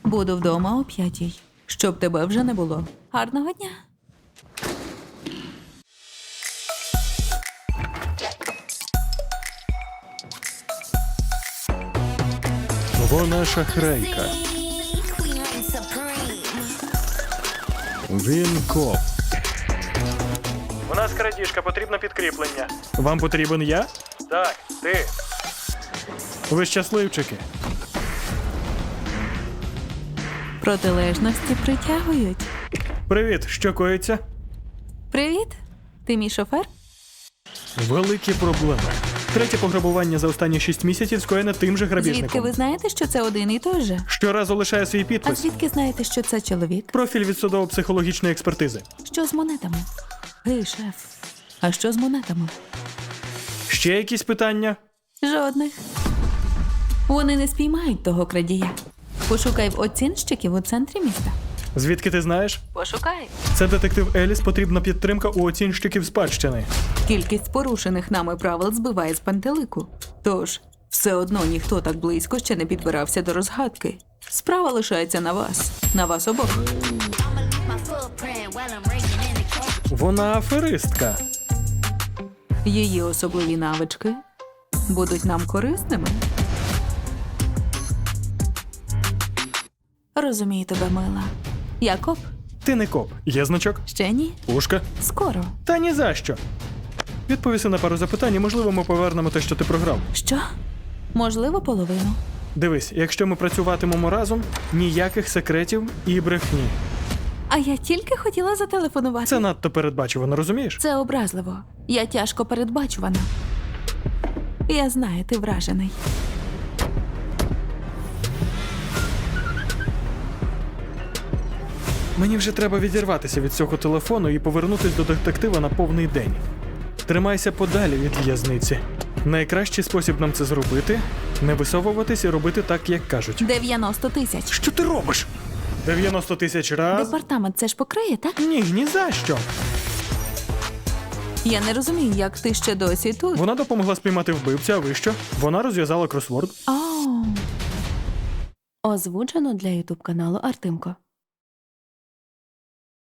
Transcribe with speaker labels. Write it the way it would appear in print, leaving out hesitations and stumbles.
Speaker 1: Буду вдома о 5:00. Щоб тебе вже не було. Гарного дня.
Speaker 2: Вона шахрайка. Він коп. У нас крадіжка, потрібно підкріплення. Вам потрібен я? Так, ти. Ви щасливчики.
Speaker 1: Протилежності притягують.
Speaker 2: Привіт, що коїться?
Speaker 1: Привіт. Ти мій шофер?
Speaker 2: Великі проблеми. Третє пограбування за останні 6 місяців скоєне тим же грабіжником.
Speaker 1: Звідки ви знаєте, що це один і той же?
Speaker 2: Щоразу лишає свій
Speaker 1: А
Speaker 2: підпис.
Speaker 1: звідки знаєте, що це чоловік?
Speaker 2: Профіль від судово-психологічної експертизи.
Speaker 1: Що з монетами? Гей, шеф. А що з монетами?
Speaker 2: Ще якісь питання?
Speaker 1: Жодних. Вони не спіймають того крадія. Пошукай в оцінщиків у центрі міста.
Speaker 2: Звідки ти знаєш?
Speaker 1: Пошукай.
Speaker 2: Це детектив Еліс, потрібна підтримка у оцінщиків спадщини.
Speaker 1: Кількість порушених нами правил збиває з пантелику. Тож, все одно ніхто так близько ще не підбирався до розгадки. Справа лишається на вас. На вас обох.
Speaker 2: Вона аферистка.
Speaker 1: Її особливі навички будуть нам корисними. Розумію тебе, мила. Я коп?
Speaker 2: Ти не коп. Є значок?
Speaker 1: Ще ні?
Speaker 2: Пушка?
Speaker 1: Скоро.
Speaker 2: Та ні за що. Відповіси на пару запитань, і, можливо, ми повернемо те, що ти програв.
Speaker 1: Що? Можливо, половину.
Speaker 2: Дивись, якщо ми працюватимемо разом, ніяких секретів і брехні.
Speaker 1: А я тільки хотіла зателефонувати.
Speaker 2: Це надто передбачувано, розумієш?
Speaker 1: Це образливо. Я тяжко передбачувана. Я знаю, ти вражений.
Speaker 2: Мені вже треба відірватися від цього телефону і повернутися до детектива на повний день. Тримайся подалі від в'язниці. Найкращий спосіб нам це зробити – не висовуватись і робити так, як кажуть.
Speaker 1: 90 тисяч.
Speaker 2: Що ти робиш? 90 тисяч раз?
Speaker 1: Департамент це ж покриє, так?
Speaker 2: Ні за що.
Speaker 1: Я не розумію, як ти ще досі тут.
Speaker 2: Вона допомогла спіймати вбивця, а ви що? Вона розв'язала кросворд.
Speaker 1: Озвучено для ютуб каналу Артемко.